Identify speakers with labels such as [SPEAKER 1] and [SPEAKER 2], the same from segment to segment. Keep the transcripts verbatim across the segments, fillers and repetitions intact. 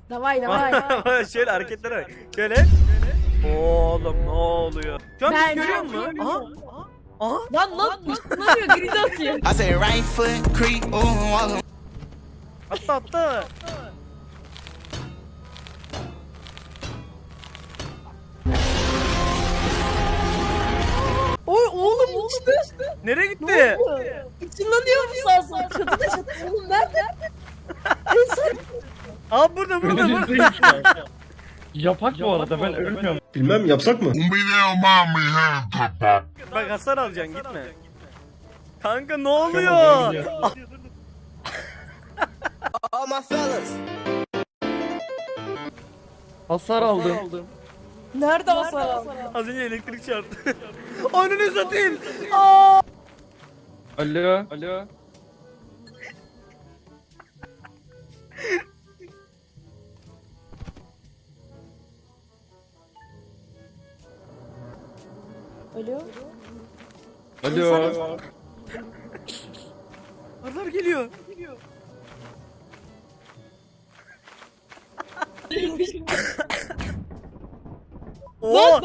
[SPEAKER 1] Davay davay.
[SPEAKER 2] Şöyle hareketlere bak. Şöyle. Oğlum ne oluyor? Şu an
[SPEAKER 1] Ben
[SPEAKER 2] bizi görüyor musun? Aha. Aha.
[SPEAKER 1] Lan lan ışınlanıyor grid atıyor.
[SPEAKER 3] I say right foot creep, ooh, walk.
[SPEAKER 2] Atla atla.
[SPEAKER 1] Oy oğlum işte.
[SPEAKER 2] Nereye gitti?
[SPEAKER 1] Işınlanıyor mu sağ sol? Çatıda çatıda. Oğlum nerede? En son.
[SPEAKER 2] Aa burada burada burada.
[SPEAKER 4] Yapak bu arada ben ölmüyorum.
[SPEAKER 5] Bilmem yapsak mı?
[SPEAKER 2] Bak hasar alacaksın gitme. Kanka ne oluyor?
[SPEAKER 3] All my fellas.
[SPEAKER 4] Hasar aldım.
[SPEAKER 1] Nerede o sağ?
[SPEAKER 2] Az önce elektrik çarptı. Önünü satayım. Aa!
[SPEAKER 4] Alo. Alo.
[SPEAKER 1] Alo.
[SPEAKER 4] Alo.
[SPEAKER 2] Arılar geliyor. Oo!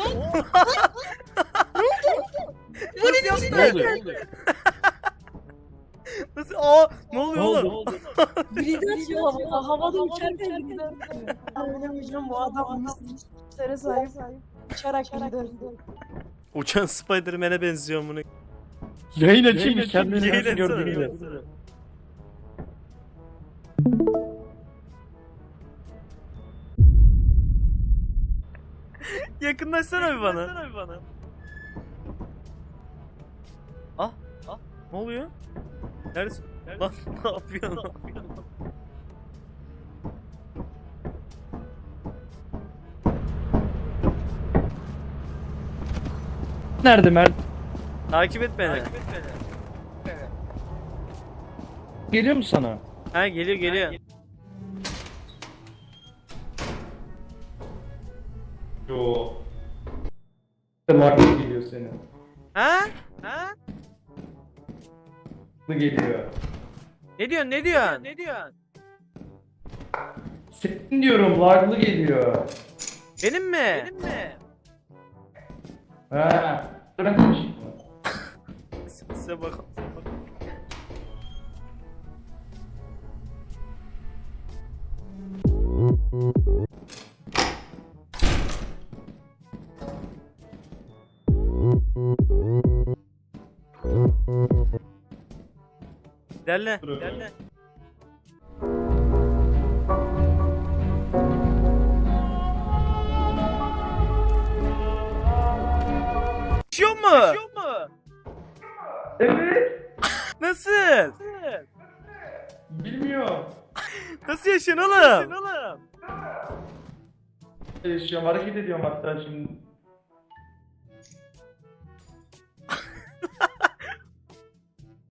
[SPEAKER 2] Nasıl yaptın?
[SPEAKER 4] Ne oldu?
[SPEAKER 2] Nasıl? Aa, ne oluyor
[SPEAKER 4] Ne
[SPEAKER 2] oğlum?
[SPEAKER 4] oldu?
[SPEAKER 1] Grid atıyor havada. Havada uçarken grid atıyor. Oynamayacağım bu adam mislere sahip. Uçarak grid atıyor.
[SPEAKER 2] Uçan Spider-Man'e benziyor bunu.
[SPEAKER 4] Yayın açayım mı? Kendini
[SPEAKER 2] Yayın
[SPEAKER 4] nasıl
[SPEAKER 2] açsana.
[SPEAKER 4] gördüğünü.
[SPEAKER 2] Yakınlaşsana bir bana. Ah, ah. Ne oluyor? Neredesin? Lan ne yapıyorsun?
[SPEAKER 4] Nerede Mert?
[SPEAKER 2] Takip et beni.
[SPEAKER 4] Geliyor mu sana?
[SPEAKER 2] Ha geliyor geliyor.
[SPEAKER 4] Yo. Market geliyor senin.
[SPEAKER 2] Ha? Ha?
[SPEAKER 4] Bu geliyor.
[SPEAKER 2] Ne diyorsun? Ne diyorsun? Ne diyorsun?
[SPEAKER 4] Senin diyorum laglı geliyor.
[SPEAKER 2] Benim mi? Benim mi?
[SPEAKER 4] Ha. Bırakın şimdi.
[SPEAKER 2] Size bak. Derle, derle. Yaşıyor mu? Yaşıyor mu?
[SPEAKER 4] Evet.
[SPEAKER 2] Nasıl?
[SPEAKER 4] Bilmiyorum.
[SPEAKER 2] Nasıl yaşıyorsun oğlum?
[SPEAKER 4] Yaşıyorum hareket ediyorum hatta şimdi.